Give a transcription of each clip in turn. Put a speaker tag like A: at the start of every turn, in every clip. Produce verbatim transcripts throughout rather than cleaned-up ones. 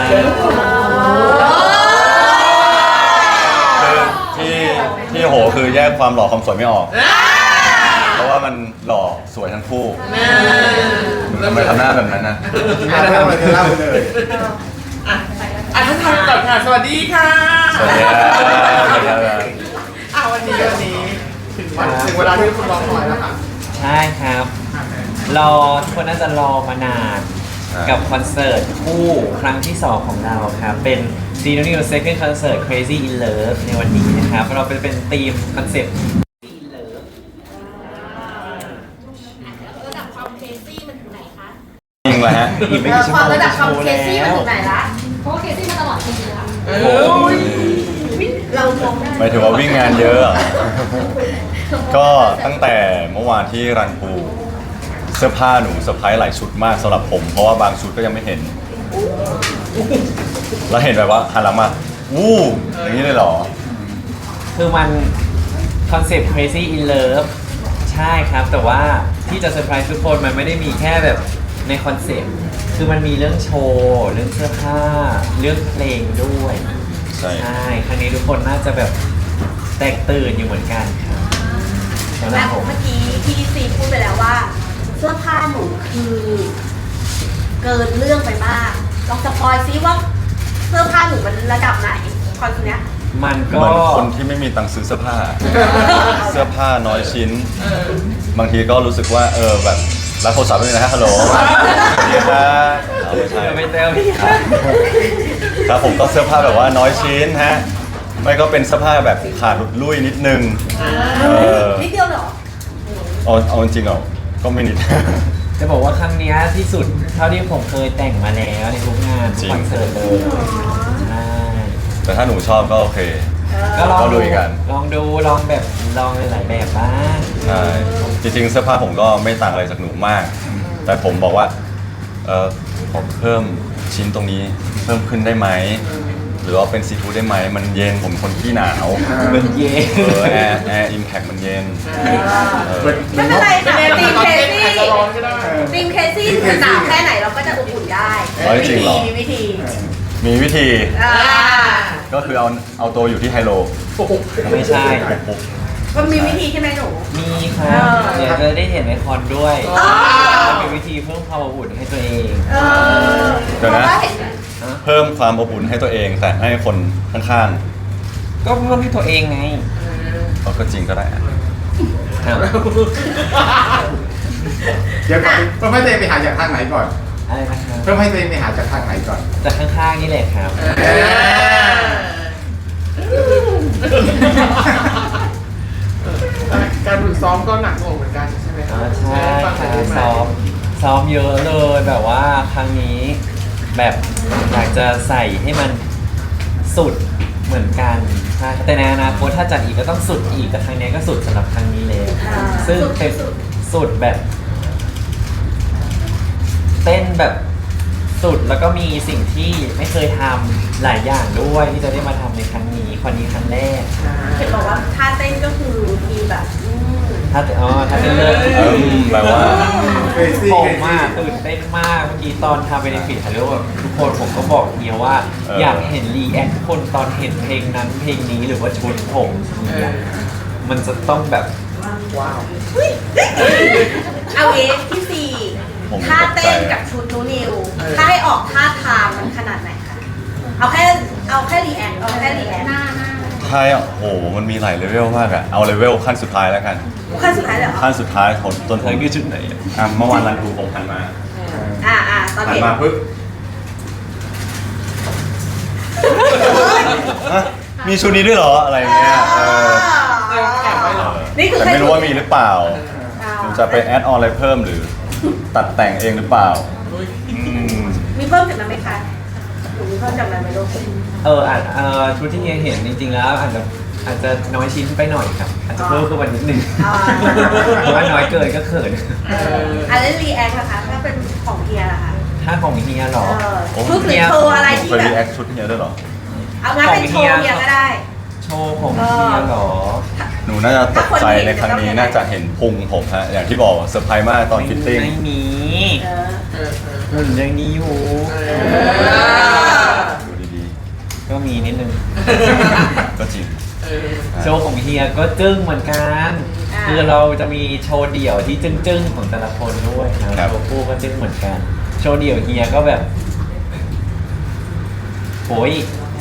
A: คือที่ที่โหคือแยกความหล่อความสวยไม่ออก เพราะว่ามันหล่อสวยทั้งคู่ทำไมทำหน้าแบบนั้นนะ
B: ไม่ได้ทำอะไรเล่าเลยอ่ะอ่ะท่านทำก่อนค่ะสวัสดีค่ะ
A: สวัสดีครับสวัสดีครับ
B: อ่ะวันนี้วันนี้ถึงวันถึงเวลาที่คุณรอคอยแล้วค่ะ
C: ใช่ครับ รอทุกคนน่าจะรอมานานกับคอนเสิร์ตคู่ครั้งที่สองของเราครับ เป็น Zeno New Second Concert Crazy in Love ในวันนี้นะครับ เราเป็นเป็นธีมคอนเซ็ปต์ in Love
D: ระดับความเคซี่มันถึงไหนคะ
A: จริงเหรอฮะ
C: อีกไม่กี่ชั่ว
D: ค
C: โม
D: วาม
C: ง
D: ระดับความ
C: โชว์
D: เคซี่มัน
C: แล้ว
D: ถึงไหนละเพราะว่าเคซี่มาตลอดปีแล้ว
B: เออ
D: เรามองได้
A: หมายถึงว่าวิ่งงานเยอะเหรอก็ตั้งแต่เมื่อวานที่รันปูเสื้อผ้าหนูเซอร์ไพรส์หลายชุดมากสำหรับผม เพราะว่าบางชุดก็ยังไม่เห็น แล้วเห็นแบบว่าหันหลังมาวู้อย่างนี้เลยเหรอ
C: คือมันคอนเซ็ปต์ Crazy in Love ใช่ครับ แต่ว่าที่จะเซอร์ไพรส์ทุกคนมันไม่ได้มีแค่แบบในคอนเซ็ปต์คือมันมีเรื่องโชว์ เรื่องเสื้อผ้า เรื่องเพลงด้วย
A: ใช่
C: ใช่ครั้งนี้ทุกคนน่าจะแบบแตกตื่นอยู่เหมือนกันครับสำหรั
D: และ
C: บผม
D: เมื่อกี้พี่ซีพูดไปแล้วว่า เสื้อผ้าหนูคือเกินเรื่องไปมากลองสปอยซิว่าเสื้อผ้าหนูมันระดับไหนคอนเนี้ย
C: มัน
A: เห
C: ก็
A: มือนคนที่ไม่มีตังค์ซื้อเสื้อผ้า เสื้อผ้าน้อยชิ้น บางทีก็รู้สึกว่าเออแบบรับโทรศัพท์ด้วยนะฮะฮัลโหลสวัสดีครับเอาไม่ใช่
C: จะไปเต้าพี่ครับ
A: ครับผมก็เสื้อผ้าแบบว่าน้อยชิ้นฮะไม่ก็เป็นเสื้อผ้าแบบขาดหลุดลุ่ยนิดนึงเออ
D: นิดเดียวเหรอ
A: เอาเอาจริงๆเหรอก็ไม่นิด
C: จะบอกว่าครั้งเนี้ยที่สุดเท่าที่ผมเคยแต่งมาแล้วในทุกงานทุกคอนเสิร์ตเลยใช่
A: แต่ถ้าหนูชอบก็โอเค
C: ก็ลอง
A: ก็ลุ
C: ดู
A: ยกัน
C: ลองดูลองแบบลองหลายๆแบบบ้าง
A: ใช่จริงๆเสื้อผ้าผมก็ไม่ต่างอะไรจากหนูมาก แต่ผมบอกว่าเออขอเพิ่มชิ้นตรงนี้เพิ่มขึ้นได้ไหมหรือว่าเป็นซีฟู้ดได้ไหมมันเย็นผมคนขี้หนาว
C: เป็นเย่
A: เออแอร์แอร์อิมแพคมันเย็นเออ
D: ไม่เป็นไรค่ะทีมเคซี่
B: อาจจะร้อนก็ได้
D: ทีมเคซี่หนาวแค่ไหนเราก็จะอบอุ่นได้
A: ร้อยจริงเหรอ
D: มีวิธี
A: มีวิธี
D: อ่า
A: ก็คือเอาเอาตัวอยู่ที่ไฮโล
C: ไม่ใช่
D: มันมีวิธีใช่ไหมหนู
C: มีครับ เดี๋ยวจะได้เห็นในคอนด้วย
D: อ๋อ
C: มีวิธีเพิ่มความอบอุ่นให้ตัวเอง
D: เออ
A: เดี๋ยวนะ
D: พราว่าเห็น
A: เพิ่มความอบอุ่นให้ตัวเองแต่ให้คนข้าง
C: ก็เพิ่มให้ตัวเองไง
A: ๆเขาก็จริงก็ได้อะ
C: ครับ
B: เดี๋ยวก่อนเพื่อให้ตัวเองไปหาจากทางไหนก่อน
C: อะไรนะครับ
B: เพื่อให้ตัวเองไปหาจากทางไหนก่อน
C: จากข้างๆนี่แหละครับ
B: การฝึกซ้อมก็หนักหน่วงเหมือนกันใช่ไหมครั
C: อ่าใช่
B: ฟัง
C: ค
B: ไป
C: รับ
B: ได้ไหม
C: ซ้อมซ้อมเยอะเลยแบบว่าครั้งนี้แบบอยากจะใส่ให้มันสุดเหมือนกันใช่แต่ในอนาคตถ้าจัดอีกก็ต้องสุดอีกแต่ครั้งนี้ก็สุดสำหรับครั้งนี้เลย
D: อ่า
C: ซึ่งเป็นสุดแบบ เต้นแบบสุดแล้วก็มีสิ่งที่ไม่เคยทำหลายอย่างด้วยที่จะได้มาทำในครั้งนี้ครั้งนี้ครั้งแรก
D: เห็นบอกว่าท่าเต้นก็คือมีแบบอืม
C: ถ้าอ๋อถ้าเป็นเลิศ
A: เออแปลว่า
B: เครซี่
C: ผ
B: เคร
C: มมาก
B: ซี่
C: ตื่นเต้นมากเมื่อกี้ตอนทำเบนฟิตฮัลโหลแบบทุกคนผมก็บอกเฮียว่า
A: เอออ
C: อยากเห็นรีแอคทุกคนตอนเห็นเพลงนั้นเพลงนี้หรือว่าชุดผมเฮียมันจะต้องแบบ
B: ว้าว
D: เอาเองที่สี่
A: ผม
D: ท่าเต้น
A: ตกใจ
D: กับชุดนูนิวถ้าให้ออกท่าทางมันขนาดไหนคะเอาแค่เอาแค่รีแอคเอาแค่รีแอคหน้าหน้า
A: ใช่อ่ะโอ้โหมันมีหลายเลเวลมากอะเอาเลเวลขั้นสุดท้ายแล้วกัน
D: ขั้นสุดท้ายเลยเหรอ
A: ขั้นสุดท้ายของต้น
C: เธอคือชุดไหนอะ
A: อ่ะเมื่อวานรันดูผมหันมา
D: อ่าอ่าตอน
A: หัน
D: เห็น
A: มาปึ๊บฮะมีชุดนี้ด้วยเหรออะไรอย่างเงี้ยเออ
B: แอบไว้เหรอ
D: นี่คือ
A: แต่
D: แค่
A: ไม่รู้ว่ามีหรือเปล่า
D: อ่า
A: หรือจะไปแอดออนอะไรเพิ่มหรือตัดแต่งเองหรือเปล่าอืม
D: มีเพิ่มจากนั้นไหมคะหนูมีเพิ่มจากนั้นไหมลูก
C: เอออาจเออชุดที่เฮียเห็นจริงๆแล้วอาจจะอาจจะน้อยชิ้นไปหน่อยครับอาจจะเพิ่มขึ้นมานิดนึง
D: อ่า
C: เพราะว่าน้อยเกินก็เขิน
D: เอออันนี้รีแอคนะคะถ้าเป็นของเฮียล่ะคะ
C: ถ้าของเฮียเหรอ
D: เออชุดหรือโชว์อะไรที่
A: ไป
D: แบ
A: รี
D: บ
A: แอคชุดเนี้ยด้วยเหรอ
D: เอางั้นเป็นโชว์เฮียก็ได้
C: โชว์ของเฮียเหรอ
A: หนูน่าจะตกใจในครั้งนี้น่าจะเห็นพุงผมฮะอย่างที่บอกเซอร์ไพรส์มากตอนฟิตติ้ง
C: ไม่มี
D: เออ
B: เออเออ
C: หุ่นยังดีอยู่
B: เออ
A: ก็จริง
B: เออ
C: โชว์ของเฮียก็จึ้งเหมือนกัน
D: อ่า
C: คือเราจะมีโชว์เดี่ยวที่จึ้งๆของแต่ละคนด้วยครับ
A: ครับ
C: โชว์คู่ก็จึ้งเหมือนกัน โชว์เดี่ยวเฮียก็แบบโอ้ย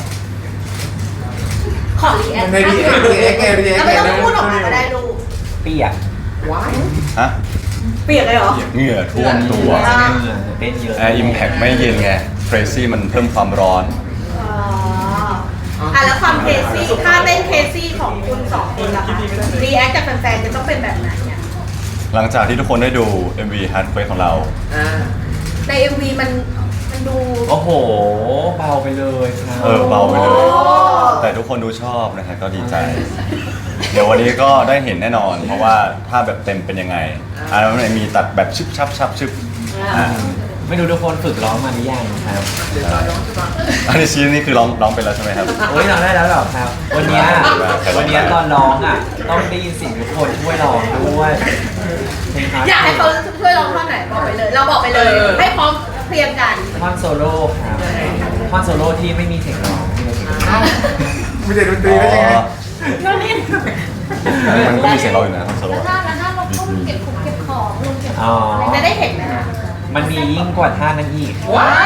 D: ขอรีแอค
B: ในรีแอครีแอคไงรีแอค
D: แล้วไม่ต้องพูดออกมาก็ได้ลูก
C: เปียก
B: ว้าย
A: ฮะ
D: เปียกเลยเหรอ
A: เหงื่อท่วมตัว
D: อ่า
C: เต้นเยอะ
A: แอร์อิมแพคไม่เย็นไง Crazy มันเพิ่มความร้อน
D: อ๋ออ่ะแล้วความเคซี่ถ้าเต้นเคซี่ของคุณสองคนล่ะคะรีแอคจากแฟนๆจะต้องเป็นแบบไหนเนี่ย
A: หลังจากที่ทุกคนได้ดู เอ็ม วี Hard Quake ของเรา
B: อ่า
D: ใน เอ็ม วี มันมันดู
C: โอ้โห เบาไปเลยครับ
A: เออเบาไปเลย
D: โอ้
A: แต่ทุกคนดูชอบนะฮะก็ดีใจ เดี๋ยววันนี้ก็ได้เห็นแน่นอน เพราะว่าถ้าแบบเต็มเป็นยังไงอันนั้นมันมีตัดแบบชึบชับชับชึบอ่า
C: ไม่รู้ทุกคนฝึกร้องมาหรือยังครับ
B: เดี๋ยวตอนน้องจะมา
A: อันนี้ชี้นี่คือร้องร้องไปแล้วใช่ไหมครับ
C: โอ้ยร้องได้แล้วเหรอครับ วันเนี้ย
A: ใครร้อง
C: วันเนี้ยตอนร้องอ่ะ ต้องได้ยินเสียงทุกคนช่วยร้องด้วยเพลงฮาร์ด
D: อยากให้เขาช่วยร้องท่อนไหนบอกไปเลย เราบอกไปเลย ให้พร้อมเพรียงกัน
C: ท่อนโซโล่ครับท่อนโซโล่ที่ไม่มีเสียงร้องที่ไม่มีเสียงร้อง
B: เอ้าไม่ได้ดนตรีแล้วยังไง
D: ก็นี่
A: มันก็มีเสียงเราอยู่นะคอนโซล
E: แล้วถ้าแล้วถ้าเราต้องเก็บของเก็บของลงเก็บข
C: อ๋อ
E: องอะไร
D: จะได้เห็นไหมคะ
C: มันมียิ่งกว่าท่านั้นอีก
D: ว้าว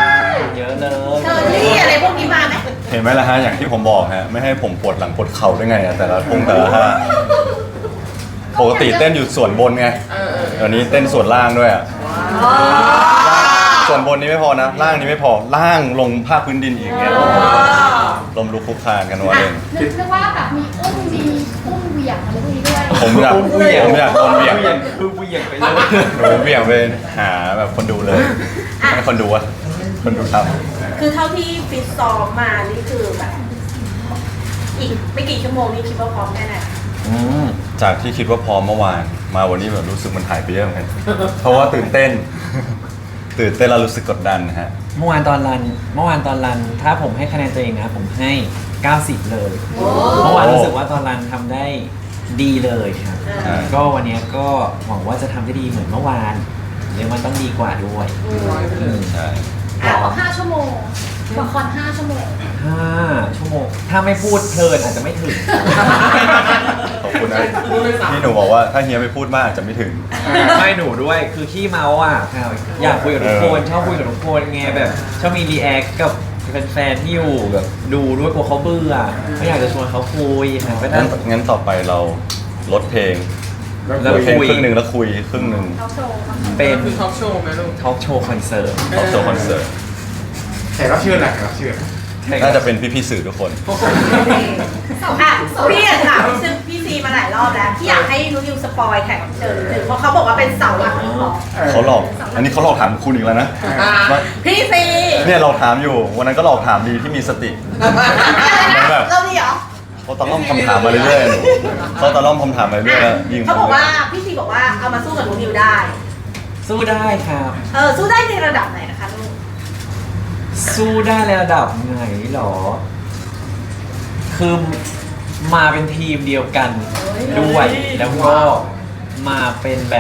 C: เยอะเลย
D: เชอรี่อะไรพวกนี้มาไหม
A: เห็นไหมล่ะฮะอย่างที่ผมบอกฮะไม่ให้ผมปวดหลังปวดเข่าได้ไงอะแต่ละพงแต่ละท่าปกติเต้นอยู่ส่วนบนไง
B: เออเออ
A: เดี๋ยวนี้เต้นส่วนล่างด้วยอะ
D: อ๋อ
A: ส่วนบนนี้ไม่พอนะ ล่างนี้ไม่พอล่างลงภาคพื้นดินอีกเนี่ยลมลุกคลุกคลานกันว่าเล่น
E: นึกนึกว่าแบบมีอุ้มมีอุ้มเหวี่ยงอะไรพวกนี้ด้วย
A: ผมอยากผมอยากโดนเบี่ยง
C: คือเบี่ยงไปเลย
A: หนูเบี่ยงไปหาแบบคนดูเลยให้คนดูอะคนดูทำ
D: คือเท่าที่ฟิตซ้อมมานี่คือแบบ อีกไม่กี่ชั่วโมงนี้คิดว่าพร้อมแค่ไหน
A: อืมจากที่คิดว่าพร้อมเมื่อวาน มาวันนี้แบบรู้สึกมันหายไปเยอะเหมือนกันเพราะว่าตื่นเต้น ตื่นเต้นแล้วรู้สึกกดดันนะฮะ
C: เมื่อวานตอนรัน เมื่อวานตอนรัน ถ้าผมให้คะแนนตัวเองนะ ผมให้ เก้าสิบ เลย เมื่อวานรู้สึกว่าตอนรันทำได้ดีเลยครับ
A: อ่า
C: ก็วันเนี้ยก็หวังว่าจะทำได้ดีเหมือนเมื่อวานหรือมันต้องดีกว่าด้วยอืม
A: ใช่
E: แต่บอกห้าชั่วโมงละครห้าชั่วโมง
C: ห้าชั่วโมง ถ้าไม่พูดเพลินอาจจะไม่ถึง
A: ขอบคุณนะที่หนูบอกว่าถ้าเฮียไม่พูดมากอาจจะไม่ถึง
C: ไม่หนูด้วยคือขี้เมาอ่ะครับอยากคุยกับทุกคน
A: เออ
C: ชอบคุยกับทุกคนไงแบบชอบมีรีแอคกับแฟนๆที่อยู่แบบดูด้วยกลัวเขาเบื่อไม่อยากจะชวนเขาคุยครับก็
A: งั้
C: นั่
A: น
C: ง
A: งั้นต่อไปเราลดเพลง
C: แล้
A: ล
C: ว
A: ดเพลง
C: คุย
A: ครึ่งหนึ่งแล้วคุยครึ่งหนึ่ง
E: เขาโชว์มา
C: เป็น
B: คือทอล์กโชว์ไหมลูก
C: ทอล์กโชว์คอนเสิร์ต
A: ออกโชว์คอนเสิร์ต
B: แขกรับเชิญแหละแขกรับเชิญ
A: น่าจะเป็นพี่ๆสื่อทุกคน
D: อ่ะพี่อยากถามพี่ซึ่งพี่ซีมาหลายรอบแล้วพี่อยากให้นุ้ยสปอยแขกรับเชิญหนึ่งเพราะเขาบอกว่าเป็นเสาหลักของ
A: เขาหลอก อันนี้เขาหลอกถามคุณอีกแล้วนะ
B: อ่า
A: ว่า
D: พี่ซี
A: เนี่ยเราถามอยู่ วันนั้นก็หลอกถามดีที่มีสติ แบบ
D: เราดีเหรอ
A: เขาตะล่อมคำถามมาเรื่อยๆหนูเขาตะล่อมคำถามมาเรื่อยๆแล้วยิง
D: เขาบอกว่าพี่ซีบอกว่าเอามาสู้กับนุ้ยได้
C: สู้ได้ครับ
D: เออสู้ได้ในระดับไหนนะคะลูก
C: สู้ได้ในระดับไหนหรอ คือมาเป็นทีมเดียวกันด้วยแล้วก็มาเป็นแบบ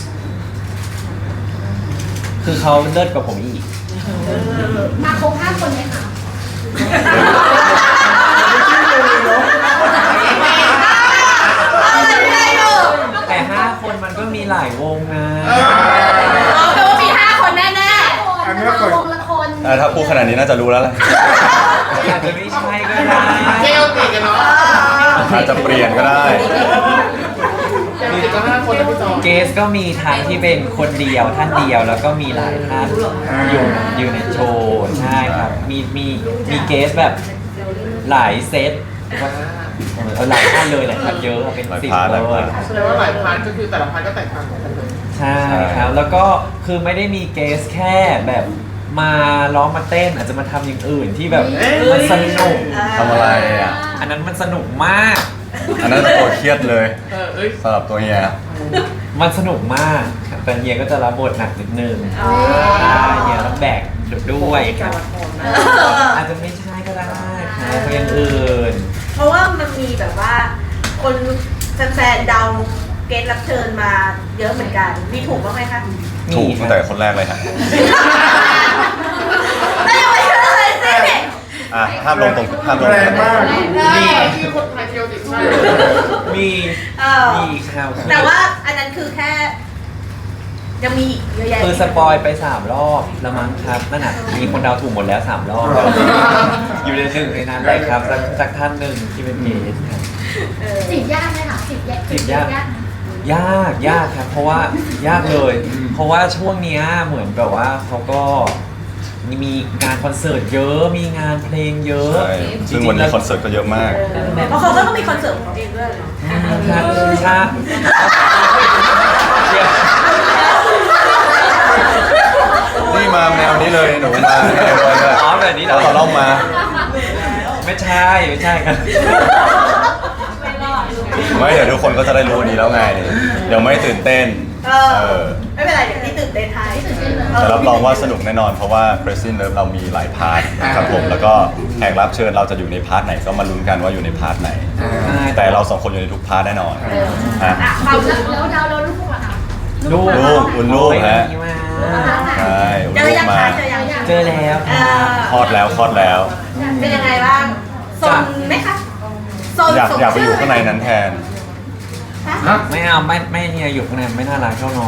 C: คือเขาเลิศกว่าผมอีก
E: มาครบห้าคนไหมคะ
C: แต่ห้าคนมันก็มีหลายวงนะ
D: เอาแปลว่ามีห้าคนแน่
B: อันนี้
E: มา
B: ละคน
E: วงละคน
A: อ่ะถ้าพูดขนาดนี้น่าจะรู้แล้วแหละ
C: อาจจะไม่ใช่ก็ได้
B: เกลติกันเนาะ
A: อาจจะเปลี่ยนก็ได้
B: เกลติกันห้าคนแล้วพี่จอ
C: เกสก็มีทั้งที่เป็นคนเดียวท่านเดียวแล้วก็มีหลายท่านอยู่อยู่ในโชว์ใช่ครับ มีมีมีเกสแบบหลายเซตเออหลายท่านเลยแหละครับเยอะเป็น
A: หลาย
C: สิบ
A: พาร์ท
C: เล
A: หลาย
C: ย
A: พาร์ท
B: แสดงว่าหลายพาร์ทก็คือแต่ละพาร์ทก็แตกต่างกันเลย
C: ใช่ครับ แล้วก็คือไม่ได้มีเกสแค่แบบมาร้องมาเต้นอาจจะมาทำอย่างอื่นที่แบบมันสนุก
A: ทำอะไรอ่ะ
C: อันนั้นมันสนุกมาก
A: อันนั้นตัวเครียดเลย
B: เออเอ้ย
A: สำหรับตัวเฮีย
C: มันสนุกมากครับแต่เฮียก็จะรับบทหนักนิดนึง
D: ๆอ๋อ
C: ใช่เฮียต้องแบกด้วยครับ
D: เออ
C: อาจจะไม่ใช่ก็ได้ครับเพราะอย่างอื่น
D: เพราะว่ามันมีแบบว่า คนแฟนๆเดาเกณฑ์รับเชิญมาเยอะเหมือนกัน มีถูกบ้างไหมคะ
A: ถูกตั้งแต่คนแรกเลยฮะ
D: ได้ยังไม่เชื่อเลยสิ
A: อ่ะห้ามลงตรงห้ามลง
B: แรงมาก
C: มี
B: ที่คนไทยเที่ยวติดใช่
C: มี
D: เออ
C: มีครับ
D: แต่ว่าอันนั้นคือแค่ยังมีอีกเยอะแยะ
C: คือสปอยไปสามรอบแล้วมั้งครับนั่นน่ะมีคนเดาถูกหมดแล้วสามรอบอยู่ในหนึ่งในนั้นเลยครับสักสักท่านหนึ่งที่เป็นเกสครับ
D: เออ
E: จีบยากไหมคะจีบยาก
C: จีบยาก
E: ไหม
C: ยากยากครับ เพราะว่ายากเลย เพราะว่าช่วงเนี้ยเหมือนแบบว่าเขาก็มีงานคอนเสิร์ตเยอะมีงานเพลงเยอะ
A: ใช่ซึ่งวันนี้คอนเสิร์ตก็เยอะมาก
D: เพราะเขาก็ต้องมีคอนเสิร์ตของเขาเองด้วยเนาะ
C: ครับใช่เดี๋ยว
A: นี่มาแนวนี้เลยหนูมาแนวเลย
C: อ๋อแบบนี้เหรอ
A: ต่อรอบมา
C: ไม่ใช่ไม่ใช่ครับ
A: ไม่เดี๋ยวทุกคนก็จะได้รู้วันนี้แล้วไง เดี๋ยวไม่ตื่นเต้น
D: เอ
A: เอ
D: อ
A: อ
D: ไม่เป็นไรเดี๋ยวพี่ตื่นเต้นไทย
A: แต่รับรองว่าสนุกแน่นอนเพราะว่า Crazy Love เรามีหลายพาร์ทครับผมแล้วก็แขกรับเชิญเราจะอยู่ในพาร์ทไหนก็มาลุ้นกันว่าอยู่ในพาร์ทไหน แต่เราสองคนอยู่ในทุกพาร์ทแน่นอนฮะ
D: อ่ะความ
E: แล้วแล้วดาวแล้วลูกอะค่ะ
C: ลูก
A: ลูกอุ่นลูกฮะ
C: ดีมาก
A: ใช่อุ่น
D: เจอ
A: ลูก
D: ยัง
A: มา
D: คะเจอยัง
C: เจอแล้ว
D: เอ
C: ครับ
D: อ
A: คลอดแล้วคลอดแล้ว
D: เป็นยังไงบ้างโซนไหมคะโซน
A: อยาก
D: สม
A: อยากไปอยู่
D: ชื่
A: ข้างในนั้นแทน
D: ฮะ
C: ไม่เอาไม่ไม่เนี่ยอยู่ข้างในไม่น่ารักเท่าน้อง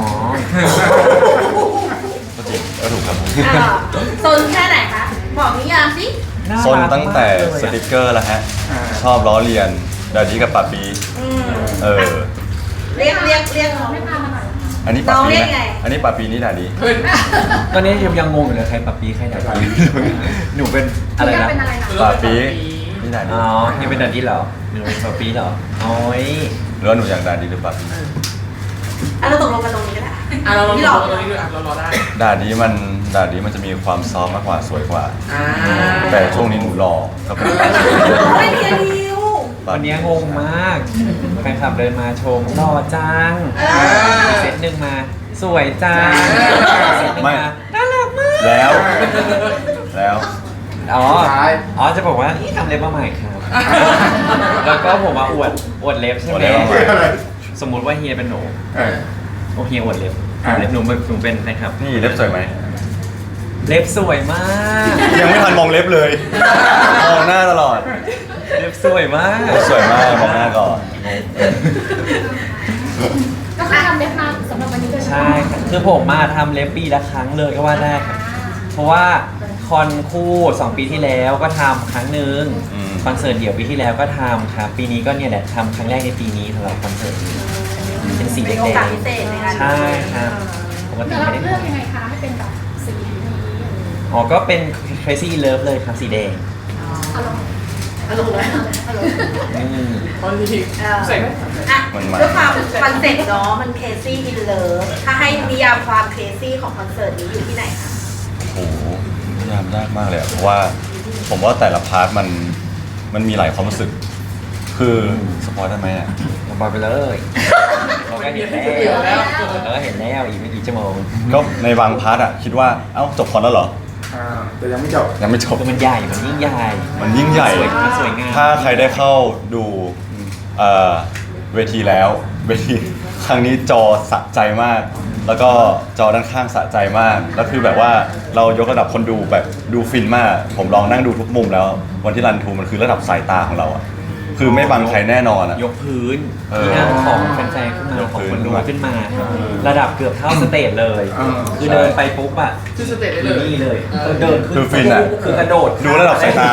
A: ก็จริงก็ถูกครับ
D: เออโซนแค่ไหนคะบอกนิยามสิ
C: น่า
A: ซน
C: รัก
A: ตั้งแต่
C: มากเลย
A: ส
C: อะ
A: ติกเกอร์แล้วฮะ ชอบล้อเลียนดาดีกับปาปี
D: อืม
A: เออ
D: เรียกเรียกเรียก
E: ไม่พามาหน่อย
A: อันนี้ปา
D: น้อง
A: ปี
D: เรียก
A: นะ
D: ไง
A: อันนี้ปาปีนี่ดาดี
C: ตอนนี้ยังยังงงอยู่เลยใครปับปีใครดัดปีหนูเป็นอะไร
E: พี่
C: นะ
E: เป็นอะไรนะ
A: ปาปีนี่ดาดี
C: อ๋อนี่เป็นดัดดี้เหรอหนูเป็นปับปีเหรอโอ้ย
A: หรือว่าหนูอยากดาดีหรือปาปี
D: อ่ะเราตกลงกันตรงนี้ก็ได้
B: อ่ะเราลอง
D: พี่
B: ร
D: หล
B: อ
D: อก
B: ตรงนี้ด้วยอ่ะเรารอได้
A: ดาดีมันดาดีมันจะมีความซอฟต์มากกว่าสวยกว่า
B: อ่า
A: แต่ช่วงนี้หนูหล่อก็เป็น
D: ไม่เพียนิว
C: วันนี้งงมากแฟนคลับเดินมาชมหล่อจัง
D: อ่า
C: อีกเซตหนึ่งมา สวยจังอีกเซตหนึ่ง
A: ไม่
C: มาน่ารักมาก
A: แล้ว แล้ว
C: อ๋อ อ๋อ จะบอกว่านี่ทำเล็บมาใหม่ครับ แล้วก็ผมมาอวด อวดเล็บใช่
A: อวด
C: ไหม
A: เล็บมาใหม่
C: สมมุติว่าเฮียเป็นหนู
B: เออ
C: โอเฮียอวดเล็บ
B: อ่ะ
C: เล็บหนูหนูเป็นแฟนคลับ
A: นี่เล็บสวยไหม
C: เล็บสวยมาก
A: ยังไม่ทันมองเล็บเลย มองหน้าตลอด
C: เล็บสวยมาก
A: เล็บสวยมากมองหน้าก่อน
E: ก็คือทำเล็บมาสำหรับวันนี้เลย
C: ใช่ครับคือผมมาทำเล็บปีละครั้งเลยก็ว่าได้ครับ เพราะว่าคอนคู่สองปีที่แล้วก็ทำครั้งหนึ่ง
A: อืม
C: คอนเสิร์ตเดี่ยวปีที่แล้วก็ทำครับ ปีนี้ก็เนี่ยแหละทำครั้งแรกในปีนี้สำหรับคอนเสิร์ตนี้เป็นสีแด
D: เป็นโอกาสพิเศษในการ
C: ๆใช่ครับปกติ
E: แต่เรา
C: ไม่ได้
E: เลือกยังไงคะให้เป็นแบบสีนี้
C: อ๋อก็เป็น Crazy in Love เลยครับสีแดง
E: เอาลอง
D: อารมณ์เลย
C: อืม
B: ตอนนี้ใส่ไหม
D: อ่ะ
A: มันมัน
D: ด้วยความคอนเซ็ปต์เนาะมันเคซี่อินเลิฟถ้าให้นิยามความเคซี่ของคอนเสิร์ตนี้อยู่ที่ไหนคะ
A: โอ้โหพยายามยากมากเลยอะเพราะว่าผมว่าแต่ละพาร์ทมันมันมีหลายความรู้สึก คือสปอยได้ไหมอ่ะ
C: ลงไปไปเลยเราก็เห็นแล้วเราก็เห็นแล้วอีกไม่กี่ชั่วโมง
A: ก็ในบางพาร์ทอ่ะคิดว่าเอ้าจบคอนแล้วเหรอ
B: อ่าแต่ยังไม่จบ
A: ยังไม่จบ
C: คือมันใหญ่มันยิ่งใหญ่
A: มันยิ่งใหญ่
C: สวยมันสวยงาม
A: ถ้าใครได้เข้าดูเอ่อเวทีแล้วเวทีครั้งนี้จอสะใจมาก แล้วก็จอด้านข้างสะใจมาก แล้วคือแบบว่าเรายกระดับคนดูแบบดูฟินมาก ผมลองนั่งดูทุกมุมแล้ว วันที่รันทูมันคือระดับสายตาของเราอ่ะ คือไม่บังใครแน่นอนอ่ะ
C: ยกพื้น
A: เออ
C: ที่นั่งของแฟนๆขึ้นมาย
A: ก
C: ของ
A: พื้น
C: คนดูขึ้นมา
A: เออ
C: ระดับเกือบเท่าสเตจเลย
B: อ่า
C: คือเดินไปปุ๊บอะ
B: ชื่อสเตจได้
C: คือ
B: เลย
C: นี่เลย
B: เออ
C: เดินขึ้น
A: คือฟินอะ
C: คือกระโดด
A: ดูระดับสายตา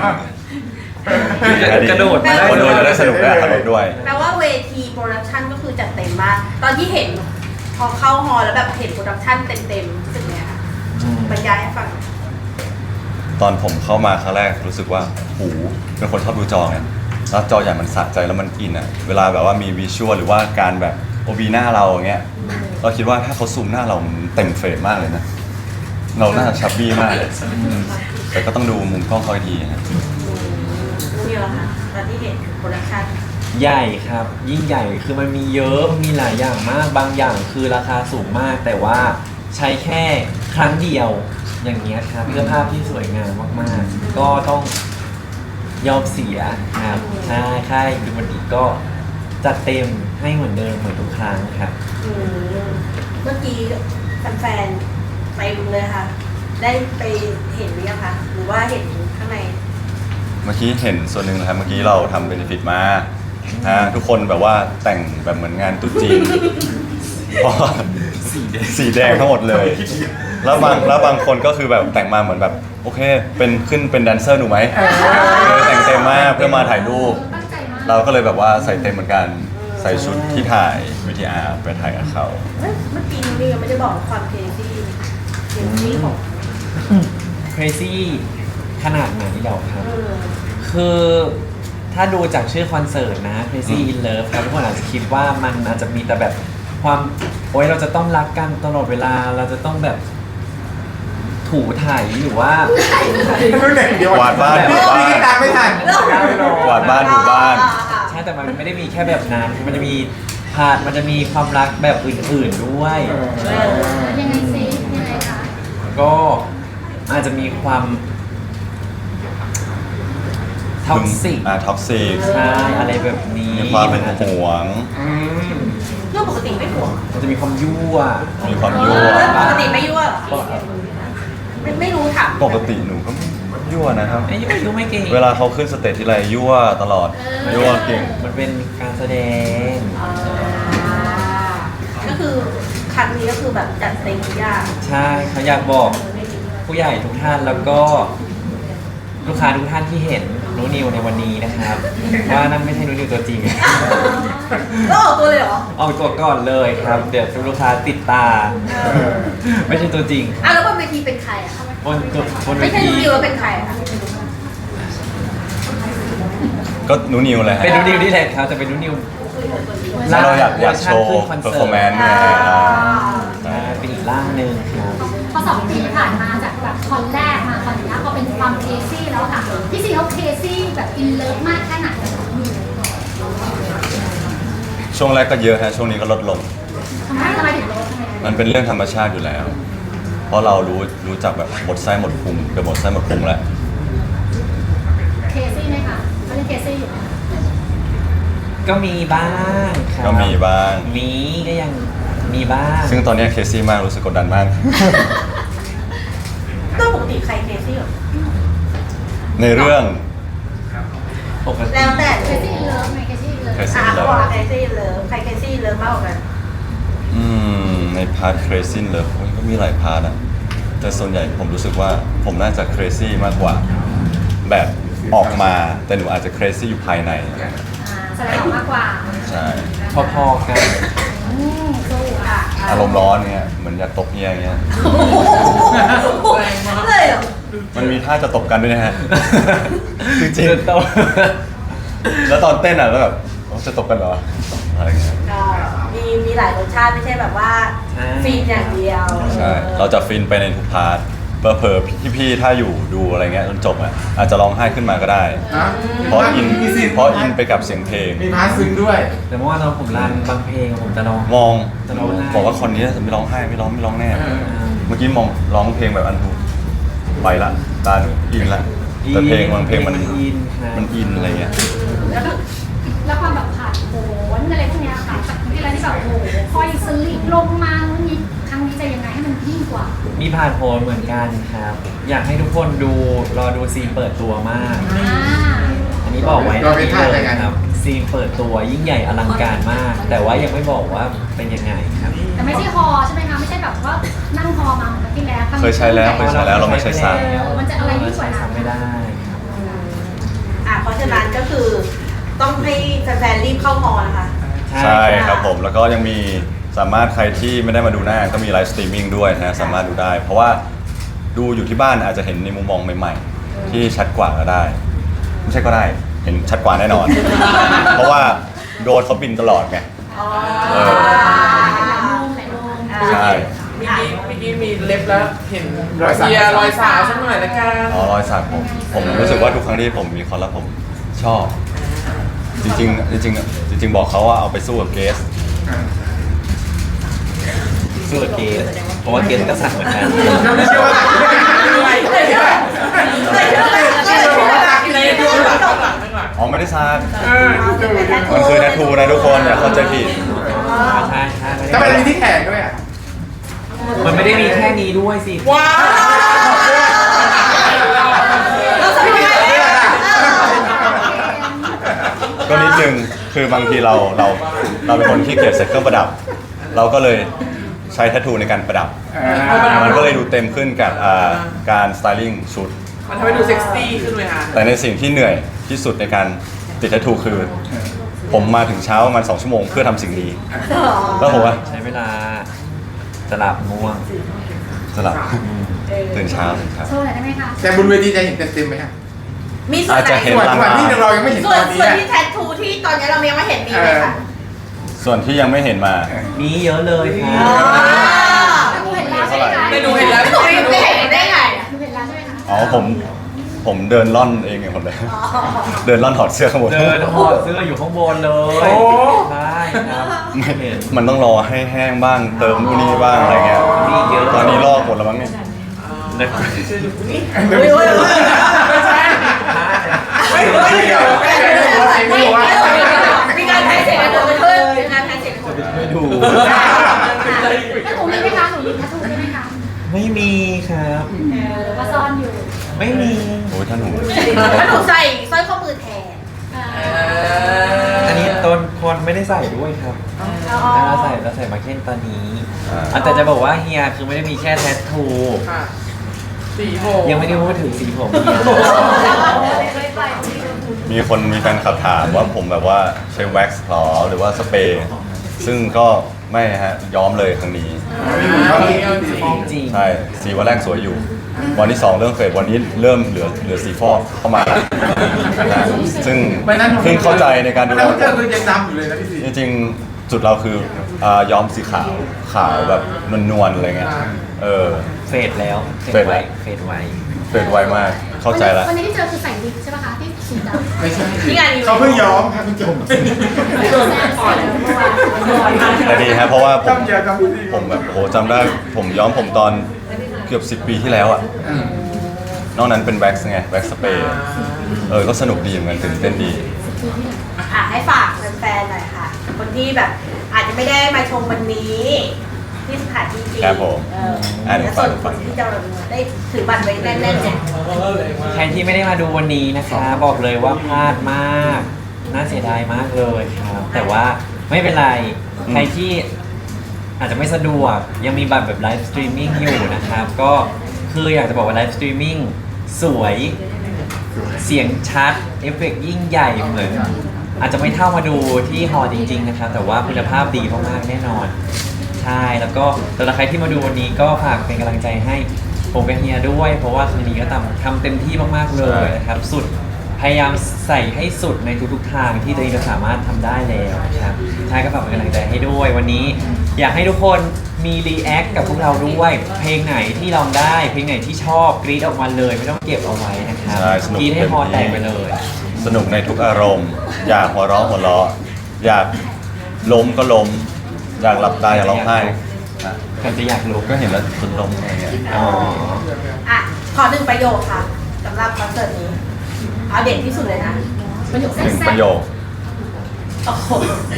C: กระโดดมา
A: คนดูจะได้สนุกได้ตลกด้วย
D: แปลว่าเวทีโปรดักชันก็คือจัดเต็มมาก ตอนที่เห็นพอเข้าฮอลแล้วแบบเห็นโปรดักชันเต็มๆรู้สึกไงคะ
C: อืม
D: บรรยายให้ฟัง
A: ตอนผมเข้ามาครั้งแรกรู้สึกว่าหูเป็นคนชอบดูจอไงแล้วจอใหญ่มันสะใจแล้วมันอินอ่ะ เวลาแบบว่ามีวิชวลหรือว่าการแบบโอบีหน้าเราอย่างเงี้ย เราคิดว่าถ้าเขาซูมหน้าเรามันเต็มเฟรมมากเลยนะ เราหน้าชับบี้มากอืมแต่ก็ต้องดูมุมกล้องเขาอีกทีนะ
D: นี่แหละค่ะตอนที่เห็นโปรดักชัน
C: ใหญ่ครับ ยิ่งใหญ่คือมันมีเยอะมันมีหลายอย่างมากบางอย่างคือราคาสูงมาก แต่ว่าใช้แค่ครั้งเดียวอย่างเงี้ยครับเพื่อภาพที่สวยงามมากๆ ก็ต้องยอมเสียครับใช่ค่ายคือมันอีกก็จัดเต็มให้เหมือนเดิมเหมือนทุกครั้งครับ
D: อืมเมื่อกี้แฟนๆไปดูเลยค่ะ ได้ไปเห็นหรือยังคะหรือว่าเห็นข้างใน
A: มื่อกี้เห็นส่วนหนึ่งนะครับเมื่อกี้เราทำเบนฟิตมาฮะทุกคนแบบว่าแต่งแบบเหมือนงานตุ๊จีนเพราะว่าสีแดงทั้งหมดเลย แล้วบางแล้วบางคนก็คือแบบแต่งมาเหมือนแบบโอเคเป็นขึ้นเป็นแดนเซอร์หนูไหมเลยแต่งเต็มมากเพื่อมาถ่ายรูป
E: ตั้งใจมาก
A: เราก็เลยแบบว่าใส่เต็มเหมือนกันใส่ชุดที่ถ่ายวีทีอาร์ไปถ่ายกับเขา
D: เอ้ยเมื่อกี้นี่ยังไม่ได้บอกความเคซี่เคซี่ของ
C: crazy ขนาดไหนเหรอครับ
D: เออ
C: คือถ้าดูจากชื่อคอนเสิร์ตนะ Crazy in Love ครับทุกคนอาจจะคิดว่ามันอาจจะมีแต่แบบความโอ๊ยเราจะต้องรักกันตลอดเวลาเราจะต้องแบบถูถ่ายหรือว่า
B: รุ่นไหนเดียว
A: กวาดบ้านถูบ้าน
B: พี่ตามไม่ทัน
A: กวาดบ้านถูบ้าน
C: ใช่แต่มันไม่ได้มีแค่แบบนั้นมันจะมีพาร์ทมันจะมีความรักแบบอื่นๆด้วย
E: ยังไงซิยังไงคะ
C: ก็อาจจะมีความท็อกซิก
A: อ่าท็อกซิก
C: ใช่อะไรแบบนี้
A: มีความเป็น
C: อาจจะ
A: ห่วง
D: เรื่องปกติไม่ห่วง
C: มันจะมีความยั่ว
A: มีความยั่ว
D: ปกติไม่ยั่วเหรอไม่ไม่รู้ถาม
A: ปกติหนูก็ยั่วนะครับ
C: ไอ้ยั่วยั่วไม่เก่ง
A: เวลาเขาขึ้นสเตจทีไรยั่วตลอดยั่วเก่ง
C: มันเป็นการแสดง
D: อ่าก็คือครั้งนี้ก็คือแบบจัดเต็มทุกอย่าง
C: ใช่เขาอยากบอกผู้ใหญ่ทุกท่านแล้วก็ลูกค้าทุกท่านที่เห็นนูนิวในวันนี้นะครับ ว่านั่นไม่ใช่นูนิวตัวจริง
D: แล้วออกตัวเลยเหรอ
C: ออกตัวก่อนเลยครับ เดี๋ยวลูกค้าติดตา ไม่ใช่ตัวจริง
D: อ่ะแล้วบนเวทีเป็นใครอ่ะ
C: บนจุดบนเว
D: ไม่ใช่
C: ที
D: นิวแล้วเป็นใครอ่ะ
A: ก็หนูนิวเลยฮะ
C: เป็นนูนิวที่แหละครับแต่เป็นนูนิว
A: แล้วเราอยากอยากโชว์
C: ขึ้นคอน
A: เปอร์
C: เสิ
A: ฟอร์แม
C: ร์
A: น
C: ต
A: ซ์ไง
C: ใช่เป็นอีกร่างหนึ่งครับ
E: พอสองปีที่ผ่านมาจากแบบคอนแรกมาคอนนี้พอเป็นความเคซี่แล้วค่ะพี่ซีเขาเคซี่แบบอินเลิฟมากแค่ไหน
A: ช่วงแรกก็เยอะฮะช่วงนี้ก็ลดลง
E: ทำไมทำไมถึงลดทำไม
A: มันเป็นเรื่องธรรมชาติอยู่แล้ว เพราะเรารู้รู้จักแบบหมดไส้หมดพุงเกือบหมดไส้หมดพุงแล้ว
E: เคซี่ไหมคะเขาเรียกเคซี่อยู่ไหม
C: ก็มีบ้างครับ
A: ก็มีบ้าง
C: มีก็ยังมีบ้าง
A: ซึ่งตอนนี้เคซี่มากรู้สึกกดดันมาก
D: ก็ปกติใครเคซี่เหรอ
A: ในเรื่อง
C: ปกติ
D: แล้วแต่
E: เคซี่อินเลิฟไหมเคซี่อินเลิฟ
A: Crazy
D: อ่ะเขาบอกว่าเคซี่เลิฟใครเคซี่เลิฟมากกว่ากัน
A: อืมในพาร์ท crazy เลยก็มีหลายพาร์ทอะแต่ส่วนใหญ่ผมรู้สึกว่าผมน่าจะ crazy มากกว่า แบบออกมาแต่หนูอาจจะ crazy อยู่ภายใน
E: อ่าแสดงออกมากกว่า
A: ใช่
C: พอๆกัน
E: อืมสู้อ่ะ
A: อารมณ์ร้อนเงี้ยเหมือนอยากตบเฮียอย่างเงี้ย
D: เลยเหรอ
A: มันมีท่าจะตบกันด้วยนะฮะ จริง
C: เดินโต
A: ๆแล้วตอนเต้นอ่ะแล้วแบบโอ้จะตบกันเหรออะไรเงี้ย
D: ก็มีมีหลายรสชาติไม่ใช่แบบว่า
C: ใช่
D: ฟีนอย่างเดียว
A: ใช่เราจะฟินไปในทุกพาร์ทเผลอๆพี่ๆถ้าอยู่ดูอะไรเงี้ยจนจบอ่ะอาจจะร้องไห้ขึ้นมาก็ได้
B: นะ
A: เพราะอินเพราะอินไปกับเสียงเพลง
B: มีพาร์ทซึ้งด้วย
C: แต่เมื่อวานตอนผมรันบางเพลงผมจะร้อง
A: มอง
C: จะร้องไห้
A: บอกว่าคนนี้จะไม่ร้องไห้ไม่ร้องไม่ร้องแน่
B: เออ
A: เมื่อกี้มองร้องเพลงแบบอันทูไปละตาหนูอินละแต่เพลงบางเพลงมัน
C: อินครับ
A: มันอินอะไรเงี้ย
E: แล้วก็แล้วความแบบผ่านโผนอะไรพวกเนี้ยค่ะจากที่อะไรที่แบบโอ้โหคอยสลิปลงมานู่นนี่ครั้งนี้จะยังไงให้มันยิ่งกว่า
C: มีผ่านโพลเหมือนกันครับ อยากให้ทุกคนดูรอดูซีนเปิดตัวมาก
E: อ่า
C: อันนี้บอกไว้
B: เราเป็นท่า
C: เล
B: ยั
C: ย
B: งไง
C: ครับซีนเปิดตัวยิ่งใหญ่อลังการมาก แต่ว่ายังไม่บอกว่าเป็นยังไงครับ
E: แต่ไม่ใช่ฮอใช่ไหมคะไม่ใช่แบบว่านั่งฮอมาเหมือนกับที่แล้วรั้ง
A: เคยใช้แล้วเคยใช้แล้วเราไม่ใช้ซ้
E: เออมันจะอะไรยิ่งกว่านั้น
C: ไม่ได้ครับ
D: อ่ะเพราะฉะนั้นก็คือต้องให้แฟนๆรีบเข้าฮอลนะคะ
A: ำใช่ครับผมแล้วก็ยังมีสามารถใครที่ไม่ได้มาดูหน้าก็มีไลฟ์สตรีมมิ่งด้วยนะสามารถดูได้ เพราะว่าดูอยู่ที่บ้านอาจจะเห็นในมุมมองใหม่ๆ ที่ชัดกว่าก็ได้ ไม่ใช่ก็ได้เห็นชัดกว่าแน่นอน เพราะว่าโดนเขาบินตลอดไง
D: อ๋อ
A: เออ
E: หลายโมง
A: ใช่
B: เมื่อกี้เมื่อกี้มีเล็บแล้วเห็นรอยสักรอยสาวสักหน่อยละกัน
A: อ๋อรอยสักผมผมรู้สึกว่าทุกครั้งที่ผมมีคอนแล้วผมชอบ จริงๆจริงๆจริง ๆ บอกเขาว่าเอาไปสู้กับเกส
C: สู้กับเกสเพราะว่าเกสก็สั่งเหมือนกัน
B: ไม่เชื่อว่า
D: เลยเชื่อเลยเชื่อเลยเชื่อเลยเชื่อเลย
B: ดูหลังหลังหลัง
A: อ๋อไม่ได้ซัก
B: เออดู
A: มันคือแททูนะทุกคนอย่าเข้าใจผิด
C: ใช่ใช่
B: ทำไมมีที่แขนด้วยอ่ะ
C: มันไม่ได้มีแค่นี้ด้วยสิ
B: ว้าว
D: เราสบายเลย
A: นึ่งคือบางทีเราเราเราเป็นคนที่เกลียดใส่เครื่องประดับ เราก็เลยใช้แทททูในการประดับ มันก็เลยดูเต็มขึ้นกับอ่าการสไตลิ่งชุด
B: มันทำให้ดูเซ็กซี่ขึ้นเลยค่ะ
A: แต่ในสิ่งที่เหนื่อยที่สุดในการติดแทททูคือ ผมมาถึงเช้าประมาณสองชั่วโมงเพื่อทำสิ่งนี้ แล้วผมว่า
C: ใช้เวลาสลับง่วง
A: สลับตื่นเช้าตื่นเช้า
E: โชว์หน่อยได้ไหมคะ
B: แต่บนเวทีจะเห็นเต็มๆไหมครับ
D: มีส่วน
A: อาจ
D: ไหน
A: จะเห็น
B: ส่วนส่วนที่เรายังไม่เห็น
D: ส่
B: ต
D: วน
B: อนนี้
D: ส่วน
B: อะ
D: ที่แทททูที่ตอนนี้เรายังไม่เห็นมีไหมคะ
A: ส่วนที่ยังไม่เห็นมา
C: มีเยอะเลยค
D: อ๋
C: รั
D: อบ
E: หนูเห็นแล้วใช่ไหมคะ
B: ได้ดูเห็นแล้ว
D: หนูไม่เห็นได้ไง
E: หนูเห็นแล้วใช่ไหมคะ
A: อ๋อผมผมเดินล่อนเองไงผมเลย
D: อ๋อ
A: เดินล่อนถอดเสื้อข้างบน
C: เดินหอดเสื้ออยู่ข้างบนเลย
B: โอ้
C: ใช่ครับ
A: ไม่
C: เห็น
A: มันต้องรอให้แห้งบ้างเติมนู่นนี่บ้างอะไรเงี้ย
C: มีเยอะ
A: ตอนนี้ลอกหมดแล้วมั้งเนี่ย
C: นะ
B: เดี๋ยวไม่ใช่ไม่ไม่เดี๋ยวไม่เดี๋ยวไม่เดี๋ยวว่า
D: มีการแพ้เสียงกันเกิดขึ้นมีการแพ้เสียงกันเกิดขึ้น
A: ไม่ดู
E: แล้วหนูมีไหมคะหนูมีทัตทูใช่ไหมคะ
C: ไม่มีครับ
E: หรือว่าซ่อนอยู่
C: ไม่มี
A: โอ้ยท่านหนู
D: ถ้าหนูใส่สร้อยข้อมือแทน
C: อันนี้ตนคนไม่ได้ใส่ด้วยครับเราใส่เราใส่มาเก็นตอนนี้อ่ะแต่จะบอกว่าเฮียคือไม่ได้มีแค่แทททู
B: ค่ะสีโบ
C: ยังไม่ได้พูดถึงสีผมเฮีย
A: มีคนมีแฟนคลับถามว่าผมแบบว่าใช้แว็กซ์หรอหรือว่าสเปรย์ซึ่งก็ไม่ฮะย้อมเลยครั้งนี้
C: จริง
A: ใช่สีวันแรกสวยอยู่ วันที่สองเริ่มเฟดวันนี้เริ่มเหลือเหลือสีฟอกเข้ามาแล้วนะซึ่ง
B: ไม่นั้น
A: เพิ่งเข้าใจในการดูแล
B: แล้วเจอคือยังดำอยู่เลยนะพี่สี
A: จริงๆจุดเราคืออ่าย้อมสีขาวขาวแบบนวลๆอะไรเงี้ยเออ
C: เฟดแล้ว
A: เฟดไว้
C: เฟดไว้
A: เฟดไวมากเข้าใจแล้ว
E: วันนี้ที่เจอคือใส่วิกใช่ไหมคะที่สีดำ
B: ไม่ใช่
D: นี่ไงอยู่
B: เขาเพิ่งย้อมครับคุณจม
A: แต่ดีฮะเพราะว่าผม
B: จำเยอะจำดี
A: ผมแบบโหจำได้ผมย้อมผมตอนเกือบสิบปีที่แล้วอ่ะนอกนั้นเป็นแว็กซ์ไงแว็กซ์สเปรย์เออก็สนุกดีเหมือนกันตื่นเต้นดี
D: อ่ะให้ฝากแฟนๆหน่อยค่ะ คนที่แบบอาจจะไม่ได้มาชมวันนี้ ที่สถานที่จริง
A: ครับผม
D: เออ
A: อ่ะ
D: และส่วนคนที่จะได้ถือบัตรไว้แน่นๆเนี่ย
C: ใครที่ไม่ได้มาดูวันนี้นะคะ บอกเลยว่าพลาดมาก น่าเสียดายมากเลยครับ แต่ว่าไม่เป็นไร ใครที่อาจจะไม่สะดวกยังมีบัตรแบบไลฟ์สตรีมมิ่งอยู่นะครับ ก็คืออยากจะบอกว่าไลฟ์สตรีมมิ่งสวยเสียงชัด เอฟเฟกต์ยิ่งใหญ่เหมือน อาจจะไม่เท่ามาดูที่ฮอลล์จริงๆนะครับ แต่ว่าคุณภาพดีมากๆแน่นอน ใช่ แล้วก็สำหรับใครที่มาดูวันนี้ก็ฝากเป็นกำลังใจให้ผมกับเฮียด้วย เพราะว่าครั้งนี้ก็ทำทำเต็มที่มากๆเลยนะครับ สุดพยายามใส่ให้สุดในทุกๆทางที่ตัวเองจะสามารถทำได้แล้วนะครับใช่ก็ฝากเป็นกำลังใจให้ด้วย วันนี้อยากให้ทุกคนมีรีแอคกับพวกเราด้วย เพลงไหนที่ลองได้ เพลงไหนที่ชอบกรี๊ดออกมาเลย ไม่ต้องเก็บเอาไว้นะครับ
A: ใช่สนุก
C: กรี๊ดให้
A: เต็ม
C: ฮอ
A: ที่
C: แตกไปเลย
A: สนุกในทุกอารมณ์ อยากหัวเราะหัวเราะอยากล้มก็ล้ม อยากหลับตาอยากร้องไห้อ่ะ
C: ใครจะอยากรู้
A: ก็เห็นแล้วจนล้มอะไรเงี้ย
C: อ๋อ
D: อ่ะ ขอหนึ่งประโยคค่ะสำหรับคอนเสิร์ตนี้ เอาเด่นที่สุดเลยนะ
E: ประโยค
A: หนึ่ง
E: แซ่
A: ประโย
E: บ
A: ค
D: โอ้โห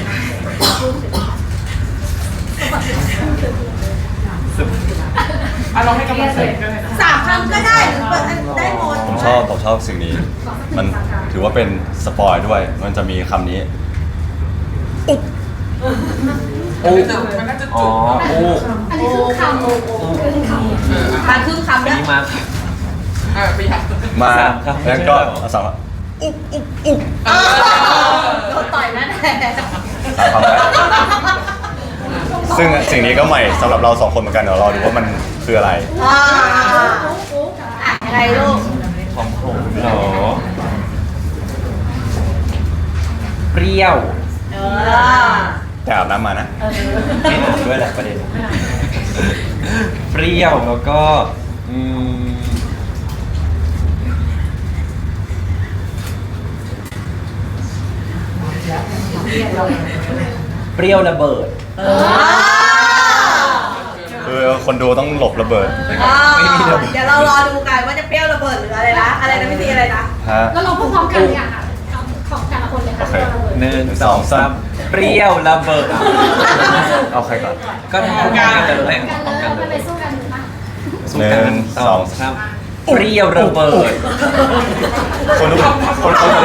B: อ่ะลองให้กำลังใจกันหน่อยนะ
D: สามคำก็ได้หรือเปิดได้หมด
A: ผมชอบผมชอบสิ่งนี้ มันถือว่าเป็นสปอยด้วย มันจะมีคำนี้
B: อุ๊มันน่าจะ
C: อ๋อ
B: จุด
C: อู้
E: อันนี้คือคำคือคำ
D: มาครึ่งคำ
C: อัน
D: แล้ว
C: นี้มา
B: อ่ะไปอยาก
A: มา
C: สามคำ
A: แล้วก็
C: ไม่ใช่เหรอ
A: เอาสามคำ
D: โดนต่อยนั่นแหละ
A: สามคำแล้วซึ่งสิ่งนี้ก็ใหม่สำหรับเราสองคนเหมือนกันเดี๋ยวรอดูว่ามันคืออะไร
D: อ่าอ่ะยังไงลูก
C: ของผมเหรอ เปรี้ยว
D: เออ
A: แต่อาบน้ำมานะ
C: ไม่อาบด้วยแหละประเด็น เปรี้ยวแล้วก็อืมเปรี้ยวระเบิด
D: เออ
A: คือคนดูต้องหลบระเบิด
C: ไม่มีระเบิด
D: เดี๋ยวเรารอดูกันว่าจะเปรี้ยวระเบิดหรืออะไรนะ อะไรนะพี่ตีอะไรนะ
A: ฮะ
E: แล้วเราพูดพร้อมกันเลยอะค่ะของแต่ละคนเลยค่ะ
A: โอเค
C: หนึ่งสองสามเปรี้ยวระเบิดอ่ะ
A: เอาใครก่อน
C: ก็ทำกันเลย
E: กัน
C: พร้อม
E: เลย
C: กัน
E: มัน
C: เล
E: เลย ยสู้กันหรือเปล่า
C: สู้กัน
A: หนึ่ง
C: สอง
A: สอง
C: สามเปรี้ยวระเบิด
A: คนทุกคนคน